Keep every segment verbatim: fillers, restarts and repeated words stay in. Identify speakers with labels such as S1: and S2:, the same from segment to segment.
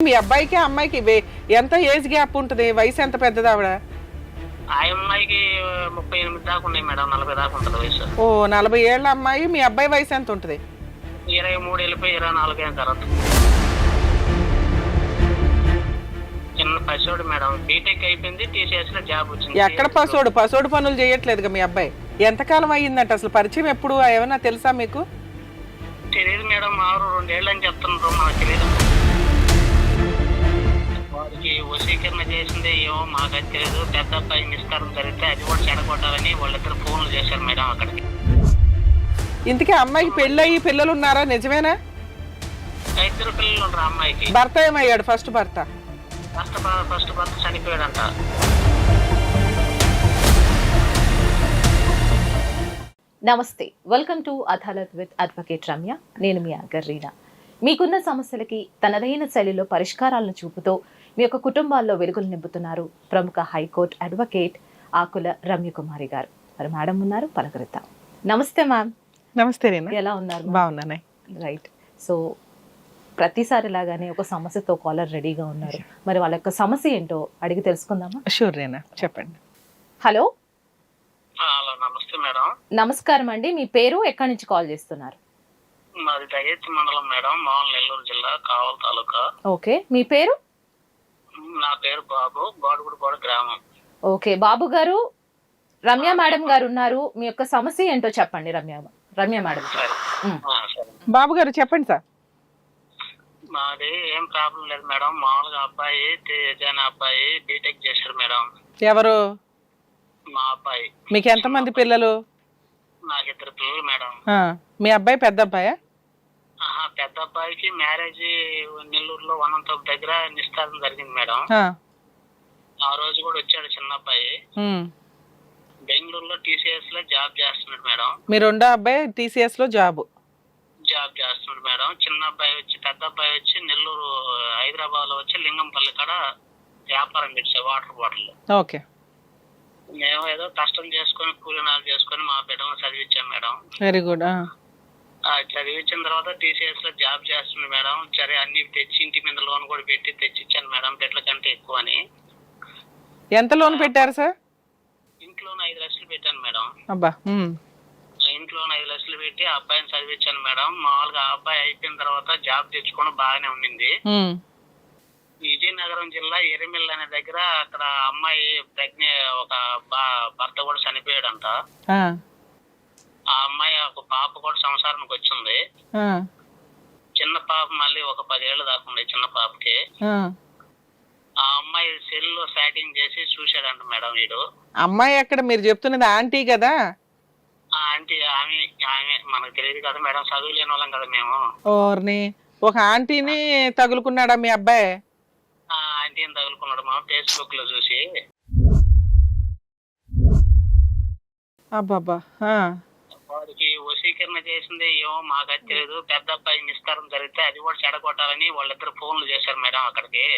S1: మీ అబ్బాయికి అమ్మాయికి వే- ఎంత ఏజ్ గ్యాప్ ఉంటుంది? వయసు ఎంత పెద్దది ఆవిడ?
S2: ఆ అమ్మాయికి ముప్పై ఎనిమిది దాకా ఉన్నాయి మేడం, నలభై దాకా ఉంటుంది వయసు.
S1: ఓ నలభై ఏళ్ళ అమ్మాయి. మీ అబ్బాయి వయసు ఎంత ఉంటుంది?
S2: ఇరవై మూడు వెళ్ళిపోయి ఇరవై నాలుగు అయిన తర్వాత చిన్న పసివాడు మేడం, బీటెక్ అయిపోయింది, టీసీఎస్ లో జాబ్ వచ్చింది.
S1: ఎక్కడ పసోడు? పసోడు పనులు చేయట్లేదుగా మీ అబ్బాయి. ఎంతకాలం అయ్యిందంట అసలు? పరిచయం ఎప్పుడు? ఏమన్నా తెలుసా మీకు?
S2: తెలియదు మేడం, ఆరు రెండేళ్ళు అని చెప్తున్నారు, మనకు తెలియదు. వారికి వశీకరణ చేసింది ఏమో మాకైతే తెలియదు. పెద్ద అబ్బాయి నిస్కారం జరిగితే అది కూడా చెడగొట్టాలని వాళ్ళిద్దరు ఫోన్లు చేశారు మేడం అక్కడికి.
S1: ఇంతకీ అమ్మాయికి పెళ్ళయి పిల్లలు ఉన్నారా? నిజమేనా?
S2: ఇద్దరు పిల్లలు ఉండరు అమ్మాయికి.
S1: భర్త ఏమయ్యాడు? ఫస్ట్ భర్త
S2: ఫస్ట్ ఫస్ట్ భర్త చనిపోయాడంట.
S3: నమస్తే, welcome to Adalat with advocate Ramya. నేను మీ యాంకర్ రీనా. మీకున్న సమస్యలకి తనదైన శైలిలో పరిష్కారాలను చూపుతూ మీ యొక్క కుటుంబాల్లో వెలుగులు నింపుతున్నారు ప్రముఖ హైకోర్టు అడ్వకేట్ ఆకుల రమ్యకుమారి గారు. మరి మేడం ఉన్నారు, పలకరిద్దాం. నమస్తే మ్యామ్.
S1: నమస్తే రీనా.
S3: ఎలా ఉన్నారు?
S1: బాగున్నానే.
S3: రైట్. సో ప్రతిసారి లాగానే ఒక సమస్యతో కాలర్ రెడీగా ఉన్నారు. మరి వాళ్ళ యొక్క సమస్య ఏంటో అడిగి తెలుసుకుందామా?
S1: షూర్ రీనా, చెప్పండి.
S3: హలో.
S2: హలో, నమస్తే మేడం.
S3: నమస్కారం అండి. మీ పేరు, ఎక్కడి నుంచి కాల్ చేస్తున్నారు?
S2: మాది దయచేసి మండలం మేడం, మామూలు నెల్లూరు జిల్లా, కావల్ తాలూకా.
S3: ఓకే, మీ పేరు?
S2: నా పేరు బాబు, బాడుగుడిపాడు గ్రామం.
S3: ఓకే బాబు గారు, రమ్య మేడం గారు ఉన్నారు. మీ యొక్క సమస్య ఏంటో చెప్పండి రమ్య రమ్య మేడం.
S2: సరే. ఆ, సరే.
S1: బాబు గారు చెప్పండి సార్.
S2: మాది ఏం ప్రాబ్లం లేదు మేడం, మామూలుగా అబ్బాయి తేజ అనే అబ్బాయి బీటెక్ చేశాడు మేడం.
S1: ఎవరు?
S2: మా అబ్బాయి.
S1: మీకు ఎంతమంది పిల్లలు?
S2: నాకు ఇద్దరు పిల్లలు మేడం.
S1: ఆ, మీ అబ్బాయి పెద్ద అబ్బాయా?
S2: ఆహా, పెద్ద అబ్బాయికి మ్యారేజ్ నెల్లూరులో వనంతోపు దగ్గర నిశ్చితార్థం జరిగింది మేడం.
S1: ఆ,
S2: ఆ రోజు కూడా వచ్చాడు చిన్న అబ్బాయి.
S1: ఉమ్.
S2: బెంగళూరులో టీసీఎస్ లో జాబ్ చేస్తున్నాడు మేడం.
S1: మీ రెండో అబ్బాయి టీసీఎస్ లో జాబ్
S2: జాబ్ చేస్తున్నాడు మేడం. చిన్న అబ్బాయి వచ్చి పెద్ద అబ్బాయి వచ్చి నెల్లూరు హైదరాబాద్ లో వచ్చి లింగంపల్లి కాడ వ్యాపారం పెట్టాడు, వాటర్ బాటిల్.
S1: ఓకే.
S2: మేము ఏదో కష్టం చేసుకొని కూలీనాలు చేసుకొని మా బిడ్డలను చదివించాం మేడం.
S1: Very good.
S2: ఆ చదివించిన తర్వాత టీసీఎస్ లో జాబ్ చేస్తుంది మేడం. సరే అన్ని తెచ్చి ఇంటి మీద లోన్ కూడా పెట్టి తెచ్చిచ్చాను మేడం, బిడ్డల కంటే ఎక్కువ అని.
S1: ఎంత లోన్ పెట్టారు సార్?
S2: ఇంట్లోనే ఐదు లక్షలు పెట్టాను మేడం.
S1: అబ్బా. ఉమ్.
S2: ఇంట్లోనే ఐదు లక్షలు పెట్టి ఆ అబ్బాయిని చదివించాను మేడం. మామూలుగా ఆ అబ్బాయి అయిపోయిన తర్వాత జాబ్ తెచ్చుకొని బాగానే ఉండింది.
S1: ఉమ్.
S2: విజయనగరం జిల్లా ఎరిమిల్ అనే దగ్గర అక్కడ అమ్మాయి ప్రెగ్నె ఒక భర్త కూడా చనిపోయాడంట.
S1: ఆ,
S2: ఆ అమ్మాయి ఒక పాప కూడా సంసారానికి వచ్చింది.
S1: ఆ,
S2: చిన్న పాప మళ్ళీ ఒక పదేళ్ళు దాకా ఉంది చిన్న పాపకి.
S1: ఆ.
S2: ఆ అమ్మాయి సెల్ లో చాటింగ్ చేసి చూశాడంట మేడం వీడు.
S1: అమ్మాయి ఎక్కడ? మీరు చెప్తున్నది ఆంటీ కదా?
S2: ఆ ఆంటీ ఆమె ఆమె మనకు తెలియదు కదా మేడం, చదువు లేని వాళ్ళం కదా మేము.
S1: ఓర్ని, ఒక ఆంటీని తగులుకున్నాడా మీ అబ్బాయి?
S2: ఆ ఆంటీని తగులుకున్నాడు మా ఫేస్బుక్ లో చూసి.
S1: అబ్బాబ్బా. ఆ,
S2: వాడికి వశీకరణ చేసింది ఏమో మాకైతే తెలియదు. పెద్ద అబ్బాయి నిస్కారం జరిగితే అది కూడా చెడగొట్టాలని వాళ్ళిద్దరు ఫోన్లు చేశారు మేడం అక్కడికి.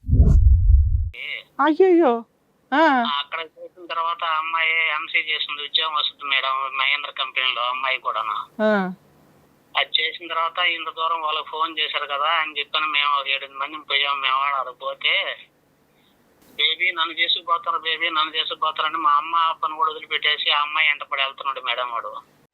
S1: అయ్యయ్యో. ఆ,
S2: అక్కడ చేసిన తర్వాత ఆ అమ్మాయి ఎంసీ చేసింది, ఉద్యోగం వస్తుంది మేడం మహేంద్ర కంపెనీలో అమ్మాయి కూడా.
S1: ఆ.
S2: అది చేసిన తర్వాత ఇంత దూరం వాళ్ళకి ఫోన్ చేశారు కదా అని చెప్పాను. మేము ఒక ఏడు మంది పోయాం. మేము అది పోతే బేబీ నన్ను చేసుకుపోతారు, బేబీ నన్ను చేసుకుపోతారని మా అమ్మ అప్పని కూడా వదిలిపెట్టేసి ఆ అమ్మాయి ఎంట పడి వెళ్తున్నాడు మేడం వాడు.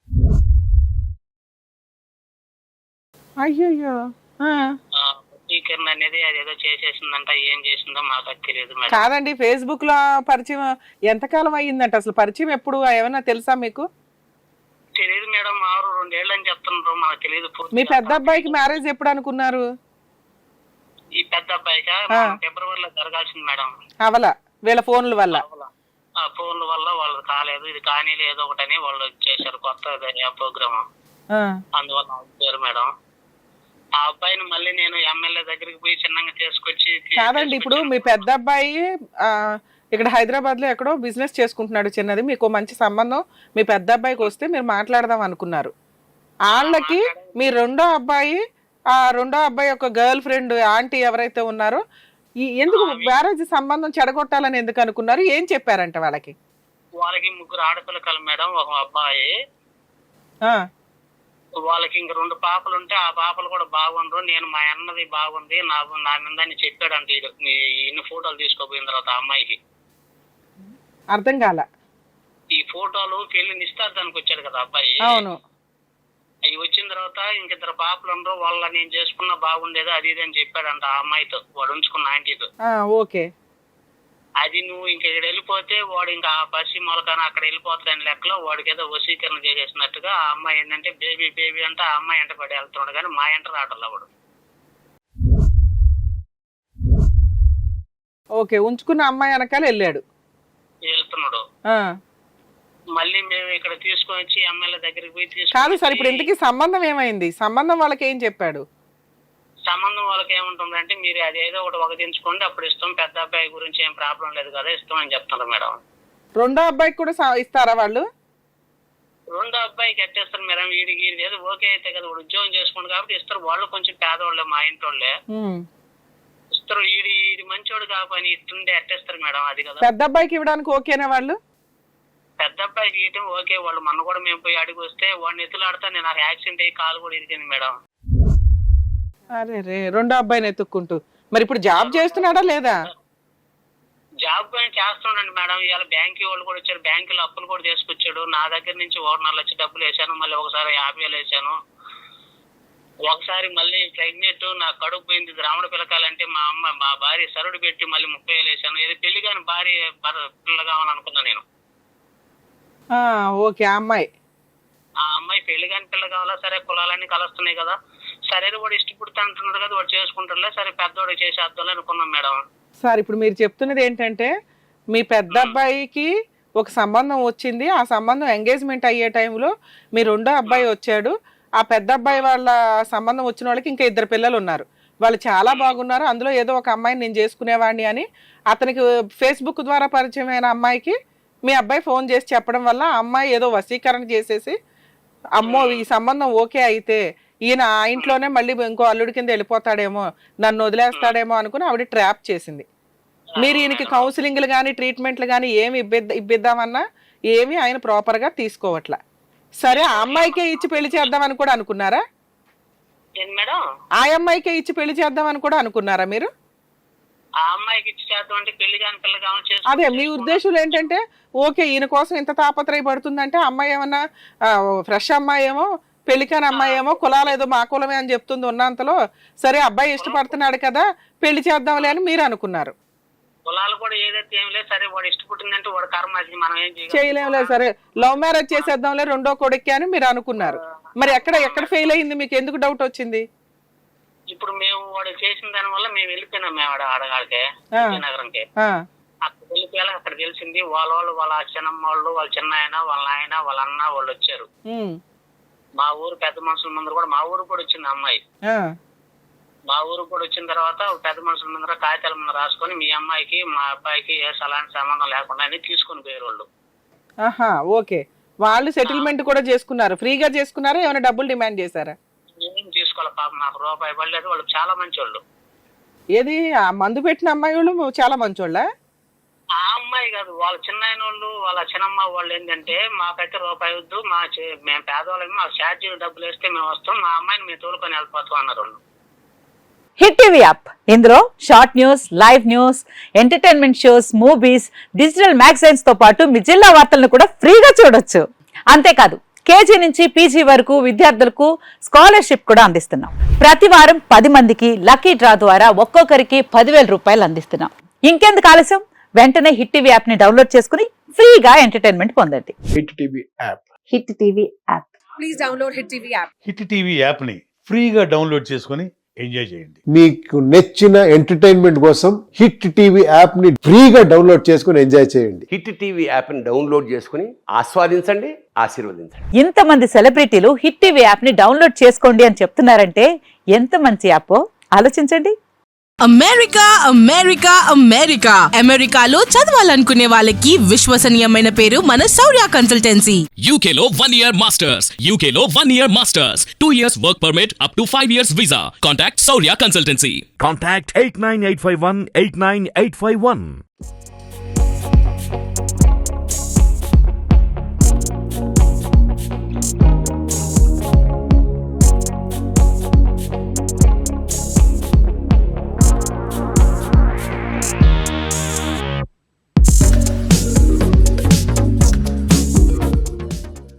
S1: అయ్యయ్యో. ఆ.
S2: వశీకరణ అనేది అది ఏదో చేసేసిందంట, ఏం చేసిందో మాకు అది తెలియదు మేడం.
S1: కాదండి, ఫేస్బుక్ లో పరిచయం ఎంతకాలం అయ్యిందంట అసలు? పరిచయం ఎప్పుడు? ఏమన్నా తెలుసా మీకు?
S2: తెలియదు మేడం, ఆరు రెండేళ్ళు అని చెప్తున్నారు, మాకు తెలియదు.
S1: మీ పెద్ద అబ్బాయికి మ్యారేజ్ ఎప్పుడు అనుకున్నారు?
S2: ఈ పెద్ద అబ్బాయికి ఫిబ్రవరిలో జరగాల్సింది మేడం.
S1: అవలా వీళ్ళ ఫోన్ల వల్ల?
S2: ఆ ఫోన్ల వల్ల వాళ్ళు కాలేదు, ఇది కానీ ఏదో ఒకటని వాళ్ళు చేశారు కొత్త ప్రోగ్రామ్. అందువల్ల ఆగిపోయారు మేడం. ఆ అబ్బాయిని మళ్ళీ నేను ఎమ్మెల్యే దగ్గరికి పోయి చిన్నగా తీసుకొచ్చి.
S1: కాదండి, ఇప్పుడు మీ పెద్ద అబ్బాయి ఆ ఇక్కడ హైదరాబాద్ లో ఎక్కడో బిజినెస్ చేసుకుంటున్నాడు చిన్నది. మీకు మంచి సంబంధం మీ పెద్ద అబ్బాయికి వస్తే మీరు మాట్లాడదాం అనుకున్నారు. వాళ్ళకి మీ రెండో అబ్బాయి, ఆ రెండో అబ్బాయి యొక్క గర్ల్ ఫ్రెండ్ ఆంటీ ఎవరైతే ఉన్నారో, ఈ ఎందుకు మ్యారేజ్ సంబంధం చెడగొట్టాలని ఎందుకు అనుకున్నారు? ఏం చెప్పారంట వాళ్ళకి?
S2: వాళ్ళకి ముగ్గురు ఆడపిల్లకలు మేడం, ఒక అబ్బాయి. వాళ్ళకి ఇంక రెండు పాపలు ఉంటే ఆ పాపలు కూడా బాగుండ్రు, నేను మా అన్నది బాగుంది నాకు నా మీద అని చెప్పాడంట. ఈడు ఇన్ని ఫోటోలు తీసుకోపోయిన తర్వాత ఆ అమ్మాయికి
S1: అర్థం కాల.
S2: ఈ ఫోటోలు పెళ్లి నిశ్చితార్థానికి వచ్చాడు కదా అబ్బాయి,
S1: అవును.
S2: అవి వచ్చిన తర్వాత ఇంకిద్దరు పాపలు ఉండరు, వాళ్ళ నేను చేసుకున్నా బాగుండేది అది ఇది అని చెప్పాడంట ఆ అమ్మాయితో, వాడు ఉంచుకున్న ఆంటీతో.
S1: ఓకే.
S2: అది నువ్వు ఇంక ఇక్కడ వెళ్ళిపోతే వాడు ఇంకా ఆ పసి మొలకాన అక్కడ వెళ్ళిపోతాడని లెక్కలో వాడికి ఏదో వశీకరణ చేసేసినట్టుగా ఆ అమ్మాయి ఏంటంటే బేబీ బేబీ అంటే ఆ అమ్మాయి ఎంట పడి వెళ్తున్నాడు, కానీ మా ఎంట రావట్లే వాడు.
S1: ఓకే, ఉంచుకున్న అమ్మాయి వెనకాల వెళ్ళాడు
S2: వెళ్తున్నాడు. మళ్ళీ మేము ఇక్కడ తీసుకొని వచ్చి ఎమ్మెల్యే దగ్గరికి పోయి తీసుకు
S1: కాదు సార్, ఇప్పుడు ఇంతకీ సంబంధం ఏమైంది? సంబంధం వాళ్ళకి ఏం చెప్పాడు?
S2: సంబంధం వాళ్ళకి ఏముంటుందంటే మీరు అదేదో ఒకటి ఒకటించుకోండి అప్పుడు ఇస్తాం, పెద్ద అబ్బాయి గురించి ఏం ప్రాబ్లం లేదు కదా ఇస్తాం అని చెప్తున్నారు మేడం.
S1: రెండో అబ్బాయికి కూడా ఇస్తారా వాళ్ళు?
S2: రెండో అబ్బాయికి ఎట్టేస్తారు మేడం, వీడికి వీడి ఏదో ఓకే అయితే కదా వాడు ఉద్యోగం చేసుకుంటు కాబట్టి ఇస్తారు. వాళ్ళు కొంచెం పేదవాళ్ళే, మా ఇంటోళ్ళే ఇస్తారు. వీడి ఇది మంచోడు కాబట్టి ఇస్తుండే ఎట్టేస్తారు మేడం, అది కదా.
S1: పెద్ద అబ్బాయికి ఇవ్వడానికి ఓకేనా వాళ్ళు?
S2: పెద్ద అబ్బాయికి ఇవ్వటం ఓకే, వాళ్ళు మొన్న కూడా మేము పోయి అడిగి వస్తే వాడిని ఎత్తులాడితే నేను నాకు యాక్సిడెంట్ అయ్యి కాలు కూడా ఇరిగింది మేడం.
S1: అరే రే, రెండో అబ్బాయిని ఎత్తుక్కుంటూ. మరి ఇప్పుడు జాబ్ చేస్తున్నాడా లేదా?
S2: జాబ్ పైన చేస్తున్నాడు మేడం. ఇవాళ బ్యాంక్ వాళ్ళు కూడా వచ్చారు, బ్యాంకులో అప్పులు కూడా తీసుకొచ్చాడు. నా దగ్గర నుంచి ఓనర్లు వచ్చి డబ్బులు వేసాను, మళ్ళీ ఒకసారి యాభై వేలు వేసాను. ఒకసారి మళ్ళీ ప్రెగ్నెంట్ నా కడుపు పోయింది రాముడు పిల్లకాలంటే మా అమ్మ మా భార్య సరుడు పెట్టి మళ్ళీ ముప్పై వేలు వేసాను. ఇది పెళ్లి కాని భార్య పిల్ల కావాలనుకున్నా నేను.
S1: ఓకే. ఆ అమ్మాయి
S2: ఆ అమ్మాయి పెళ్లి కాని పిల్ల కావాలా, సరే కులాలన్నీ కలుస్తున్నాయి కదా, సరే వాడు ఇష్టపడుతూ అంటున్నాడు కదా వాడు చేసుకుంటారులే, సరే పెద్దవాడు చేసేద్దాం అనుకున్నాం మేడం.
S1: సార్ ఇప్పుడు మీరు చెప్తున్నది ఏంటంటే మీ పెద్ద అబ్బాయికి ఒక సంబంధం వచ్చింది, ఆ సంబంధం ఎంగేజ్మెంట్ అయ్యే టైంలో మీ రెండో అబ్బాయి వచ్చాడు. ఆ పెద్ద అబ్బాయి వాళ్ళ సంబంధం వచ్చిన వాళ్ళకి ఇంకా ఇద్దరు పిల్లలు ఉన్నారు, వాళ్ళు చాలా బాగున్నారు, అందులో ఏదో ఒక అమ్మాయిని నేను చేసుకునేవాడిని అని అతనికి ఫేస్బుక్ ద్వారా పరిచయం అయిన అమ్మాయికి మీ అబ్బాయి ఫోన్ చేసి చెప్పడం వల్ల ఆ అమ్మాయి ఏదో వశీకరణ చేసేసి అమ్మో ఈ సంబంధం ఓకే అయితే ఈయన ఆ ఇంట్లోనే మళ్ళీ ఇంకో అల్లుడి కింద వెళ్ళిపోతాడేమో, నన్ను వదిలేస్తాడేమో అనుకుని ఆవిడ ట్రాప్ చేసింది. మీరు ఈయనకి కౌన్సిలింగ్లు కానీ ట్రీట్మెంట్లు కానీ ఏమి ఇబ్బిద్ద ఇబ్బిద్దామన్నా ఏమి ఆయన ప్రాపర్గా తీసుకోవట్లా. సరే ఆ అమ్మాయికే ఇచ్చి పెళ్లి చేద్దామని కూడా అనుకున్నారా? ఆ అమ్మాయికే ఇచ్చి పెళ్లి చేద్దామని కూడా అనుకున్నారా మీరు? అదే మీ ఉద్దేశం ఏంటంటే ఓకే ఈయన కోసం ఇంత తాపత్రయపడుతుందంటే అమ్మాయి ఏమన్నా ఫ్రెష్ అమ్మాయి ఏమో పెళ్లికాని అమ్మాయి ఏమో కులాలు ఏదో మా కులమే అని చెప్తుంది ఉన్నంతలో, సరే అబ్బాయి ఇష్టపడుతున్నాడు కదా పెళ్లి చేద్దాంలే అని మీరు అనుకున్నారు. చేయలేములే సరే లవ్ మ్యారేజ్ చేసేద్దాంలే రెండో కొడుక్కి అని మీరు అనుకున్నారు. మరి ఎక్కడ ఎక్కడ ఫెయిల్ అయింది, మీకు ఎందుకు డౌట్ వచ్చింది?
S2: ఇప్పుడు మేము వాడు చేసిన దాని వల్ల మేము వెళ్ళిపోయినాం, మేము ఆడ ఆడగాడికే నగరంకి అక్కడ వెళ్ళిపోయాలి. అక్కడ తెలిసింది వాళ్ళ వాళ్ళు వాళ్ళ చిన్నమ్మ వాళ్ళు వాళ్ళ చిన్న ఆయన వాళ్ళ ఆయన వాళ్ళ అన్న వాళ్ళు వచ్చారు. మా ఊరు పెద్ద మనుషుల ముందర కూడా మా ఊరు కూడా వచ్చింది అమ్మాయి. మా ఊరు కూడా వచ్చిన తర్వాత పెద్ద మనుషుల ముందర కాగితాల ముందర రాసుకొని మీ అమ్మాయికి మా అబ్బాయికి ఏ అలాంటి సంబంధం లేకుండా అని తీసుకుని పోయారు వాళ్ళు.
S1: ఓకే, వాళ్ళు సెటిల్మెంట్ కూడా చేసుకున్నారు, ఫ్రీగా చేసుకున్నారా ఏమైనా డబ్బులు డిమాండ్ చేశారా?
S2: ఏం తీసుకోవాలి పాప, నాకు రూపాయి పడలేదు. వాళ్ళు చాలా మంచి వాళ్ళు.
S1: ఏది ఆ మందు పెట్టిన అమ్మాయి వాళ్ళు చాలా మంచోళ్ళ?
S2: ఆ అమ్మాయి కాదు, వాళ్ళ చిన్న వాళ్ళు వాళ్ళ చిన్నమ్మ వాళ్ళు ఏంటంటే మాకైతే రూపాయి వద్దు, మా మేము పేదవాళ్ళమే, మాకు ఛార్జీలు డబ్బులు వేస్తే మేము వస్తాం, మా అమ్మాయిని మేము తోలుకొని వెళ్ళిపోతాం అన్నారు వాళ్ళు.
S4: హిట్ టీవీ యాప్, ఇందులో short news, live news, entertainment shows, movies, digital magazines తో పాటు మీ జిల్లా వార్తలను కూడా ఫ్రీగా చూడొచ్చు. అంతేకాదు కేజీ నుంచి పీజీ వరకు విద్యార్థులకు స్కాలర్షిప్ కూడా అందిస్తున్నాం. ప్రతి వారం పది మందికి లక్కీ డ్రా ద్వారా ఒక్కొక్కరికి పదివేల రూపాయలు అందిస్తున్నాం. ఇంకెందుకు ఆలస్యం, వెంటనే హిట్ టీవీ యాప్ ని డౌన్లోడ్ చేసుకుని ఫ్రీగా ఎంటర్టైన్మెంట్ పొందండి.
S5: Hit TV app
S4: Hit TV app
S6: please download Hit TV app.
S5: Hit TV app ని ఫ్రీగా డౌన్లోడ్ చేసుకుని ఎంజాయ్ చేయండి.
S7: మీకు నచ్చిన ఎంటర్టైన్మెంట్ కోసం హిట్ టీవీ యాప్ ని ఫ్రీగా డౌన్లోడ్ చేసుకుని ఎంజాయ్ చేయండి.
S8: హిట్ టీవీ యాప్ ని డౌన్లోడ్ చేసుకుని ఆస్వాదించండి, ఆశీర్వదించండి.
S4: ఇంతమంది సెలబ్రిటీలు హిట్ టీవీ యాప్ ని డౌన్లోడ్ చేసుకోండి అని చెప్తున్నారంటే ఎంత మంచి యాప్ ఆలోచించండి.
S6: అమెరికా అమెరికా అమెరికా అమెరికాలో చదవాలనుకునే వాళ్ళకి విశ్వసనీయమైన పేరు మన శౌర్య కన్సల్టెన్సీ.
S9: యూకేలో వన్ ఇయర్ మాస్టర్స్, యూకేలో one year masters, two years work permit up to five years visa. Contact Shaurya consultancy.
S10: Contact eight nine eight five one eight nine eight five one.